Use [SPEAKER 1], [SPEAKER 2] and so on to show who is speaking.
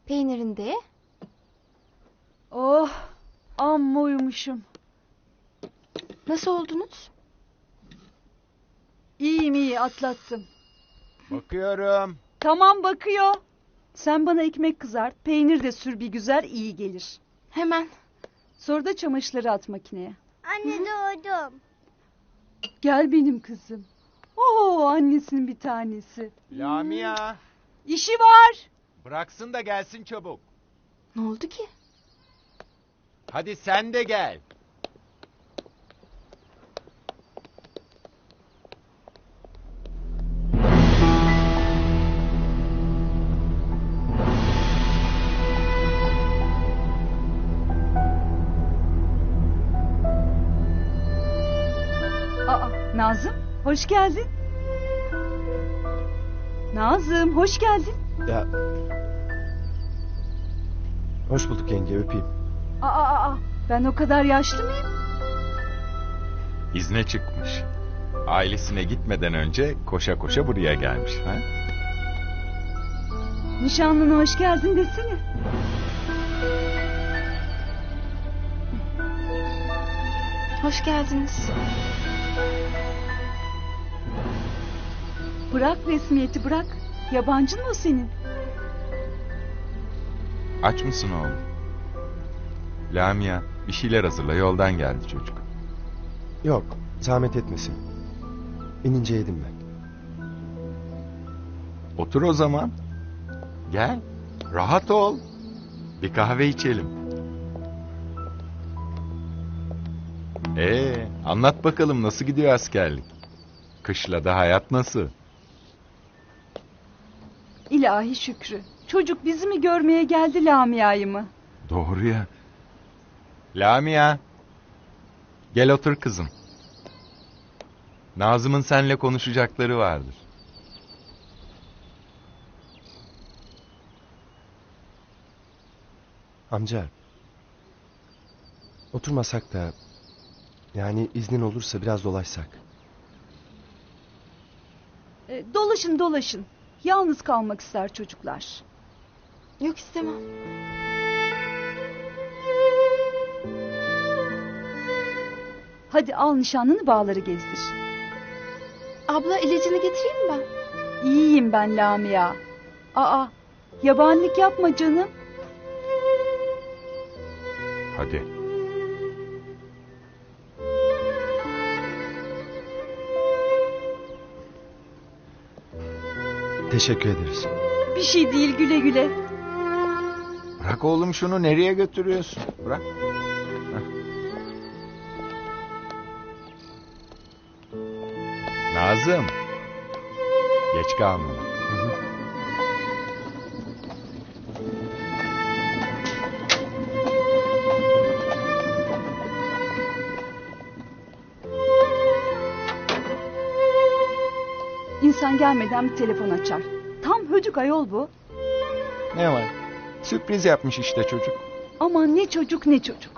[SPEAKER 1] Peynirini de ye.
[SPEAKER 2] Oh, amma uyumuşum.
[SPEAKER 1] Nasıl oldunuz?
[SPEAKER 2] İyiyim iyi, atlattım.
[SPEAKER 3] Bakıyorum.
[SPEAKER 2] Tamam, bakıyor. Sen bana ekmek kızart, peynir de sür bir güzel, iyi gelir.
[SPEAKER 1] Hemen.
[SPEAKER 2] Sonra da çamaşırları at makineye.
[SPEAKER 4] Anne doğdum.
[SPEAKER 2] Gel benim kızım. Oo, annesinin bir tanesi.
[SPEAKER 3] Lamia.
[SPEAKER 2] İşi var.
[SPEAKER 3] Bıraksın da gelsin çabuk.
[SPEAKER 1] Ne oldu ki?
[SPEAKER 3] Hadi sen de gel.
[SPEAKER 2] Aa, Nazım, hoş geldin. Nazım, hoş geldin.
[SPEAKER 5] Ya. Hoş bulduk yenge, öpeyim.
[SPEAKER 2] Aa, ben o kadar yaşlı mıyım?
[SPEAKER 3] İzne çıkmış. Ailesine gitmeden önce koşa koşa buraya gelmiş. Ha?
[SPEAKER 2] Nişanlına hoş geldin desene.
[SPEAKER 1] Hoş geldiniz.
[SPEAKER 2] Bırak resmiyeti, bırak. Yabancın mı o senin?
[SPEAKER 3] Aç mısın oğlum? Lamia bir şeyler hazırla, yoldan geldi çocuk.
[SPEAKER 5] Yok, zahmet etmesin. İnince yedim ben.
[SPEAKER 3] Otur o zaman. Gel. Rahat ol. Bir kahve içelim. Anlat bakalım nasıl gidiyor askerlik? Kışlada hayat nasıl?
[SPEAKER 2] İlahi Şükrü. Çocuk bizi mi görmeye geldi, Lamia'yı mı?
[SPEAKER 3] Doğru ya. Lamia. Gel otur kızım. Nazım'ın seninle konuşacakları vardır.
[SPEAKER 5] Amca. Oturmasak da... Yani iznin olursa biraz dolaşsak.
[SPEAKER 2] Dolaşın. Yalnız kalmak ister çocuklar.
[SPEAKER 1] Yok, istemem.
[SPEAKER 2] Hadi al nişanlını, bağları gezdir.
[SPEAKER 1] Abla, ilacını getireyim mi ben?
[SPEAKER 2] İyiyim ben Lamia. Aa, yabanilik yapma canım.
[SPEAKER 3] Hadi.
[SPEAKER 5] Teşekkür ederiz.
[SPEAKER 2] Bir şey değil, güle güle.
[SPEAKER 3] Bırak oğlum şunu, nereye götürüyorsun? Bırak. Heh. Nazım. Geç kalma.
[SPEAKER 2] İnsan gelmeden bir telefon açar. Tam hödük ayol bu.
[SPEAKER 3] Ne var? Sürpriz yapmış işte çocuk.
[SPEAKER 2] Aman ne çocuk ne çocuk.